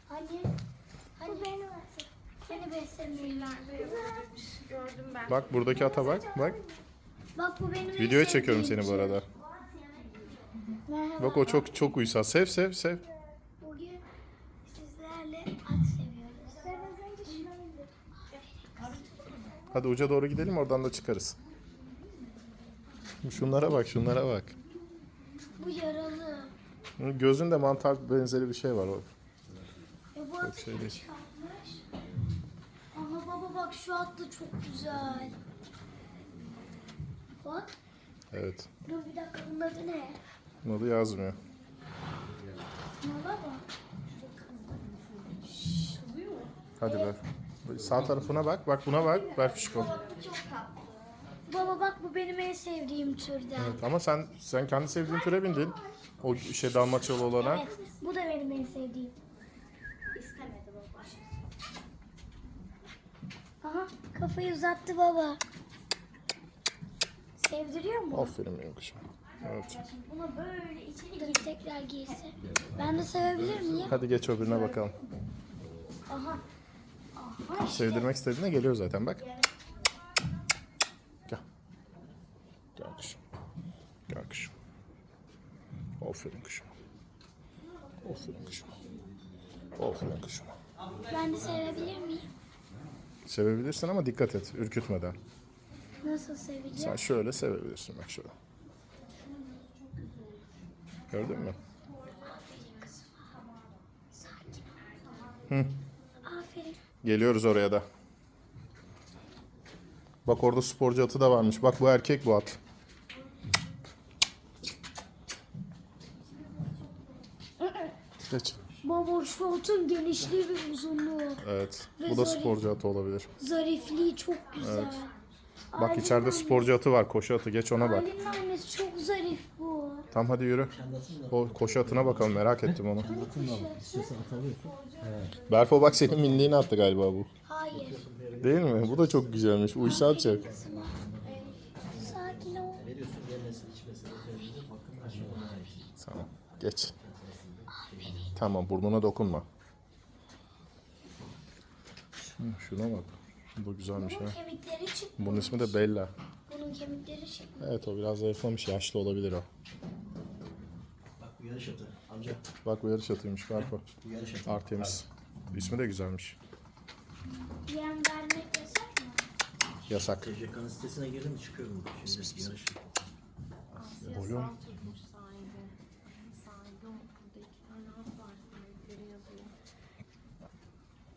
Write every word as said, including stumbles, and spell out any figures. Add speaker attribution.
Speaker 1: Hani? Hani benim atım. Hani beslemeyiler.
Speaker 2: Gördüm ben.
Speaker 3: Bak buradaki ata bak. Bak.
Speaker 1: Bak bu benim en
Speaker 3: Videoya çekiyorum
Speaker 1: sevdiğim
Speaker 3: seni bu
Speaker 1: tür.
Speaker 3: arada.
Speaker 1: Merhaba.
Speaker 3: Bak o çok çok uysal. Sev sev sev.
Speaker 1: Bugün sizlerle at seviyoruz. Ben az önce şuna bindim.
Speaker 3: Hadi uca doğru gidelim, oradan da çıkarız. Şunlara bak, şunlara bak.
Speaker 1: Bu yaralı.
Speaker 3: Gözünde mantar benzeri bir şey var o.
Speaker 1: E bu atı
Speaker 3: şey
Speaker 1: kim
Speaker 3: değil.
Speaker 1: çıkartmış? Aha baba bak şu at da çok güzel. Bak.
Speaker 3: Evet.
Speaker 1: Dur bir dakika bunun adı ne?
Speaker 3: Bunu da yazmıyor.
Speaker 1: Mala bak.
Speaker 3: Hadi ver. Sağ tarafına bak. Bak buna bak. Ver fişko.
Speaker 1: Baba bu çok tatlı. Baba bak bu benim en sevdiğim türden.
Speaker 3: Evet, ama sen sen kendi sevdiğin türe bindin. O şey dalmaçyalı olana.
Speaker 1: Evet, bu da benim en sevdiğim. İstemedi baba. Aha, kafayı uzattı baba. Sevdiriyor mu?
Speaker 3: Aferin benim kuşum. Evet.
Speaker 1: Buna böyle içeri girip tekrar girse. Ben de sevebilir miyim?
Speaker 3: Hadi geç öbürüne bakalım.
Speaker 1: Aha. Aha işte.
Speaker 3: Sevdirmek istediğinde geliyor zaten bak. Gel. Gel kuşum. Gel kuşum. Aferin kuşum. Aferin kuşum. Aferin kuşum.
Speaker 1: Ben de sevebilir miyim?
Speaker 3: Sevebilirsin ama dikkat et. Ürkütmeden.
Speaker 1: Nasıl seveceğim?
Speaker 3: Sen şöyle sevebilirsin bak şöyle. Gördün mü? Hı.
Speaker 1: Aferin.
Speaker 3: Geliyoruz oraya da. Bak orada sporcu atı da varmış. Bak bu erkek bu at. Geç.
Speaker 1: Baba şu atın genişliği ve uzunluğu.
Speaker 3: Evet.
Speaker 1: Ve
Speaker 3: Bu da
Speaker 1: zarif.
Speaker 3: sporcu atı olabilir.
Speaker 1: Zarifliği çok güzel.
Speaker 3: Evet. Bak
Speaker 1: Ailenin
Speaker 3: içeride
Speaker 1: annesi-
Speaker 3: sporcu atı var. Koşu atı. Geç ona bak.
Speaker 1: Ailenin annesi çok zarif bu.
Speaker 3: Tam hadi yürü. O koşu atına bakalım. Merak ettim onu. Berfo bak senin minliğini attı galiba bu.
Speaker 1: Hayır.
Speaker 3: Değil mi? Bu da çok güzelmiş. Uysal çok.
Speaker 1: Sakin ol.
Speaker 3: Tamam. Geç. Tamam, burnuna dokunma. Hı, şuna bak. Bu güzelmiş ha.
Speaker 1: Bunun kemikleri çıkmış.
Speaker 3: Bunun ismi de Bella.
Speaker 1: Bunun kemikleri çıkmış.
Speaker 3: Evet, o biraz zayıflamış. Yaşlı olabilir o.
Speaker 4: Bak bu yarış atı. Amca
Speaker 3: Bak bu yarış atıymış Berfo.
Speaker 4: bu yarış atı.
Speaker 3: Artemis. İsmi de güzelmiş.
Speaker 1: Yem vermek yasak mı?
Speaker 3: Yasak.
Speaker 4: T C K'nın sitesine girdim çıkıyorum. Şimdi yarış.
Speaker 3: Oğlum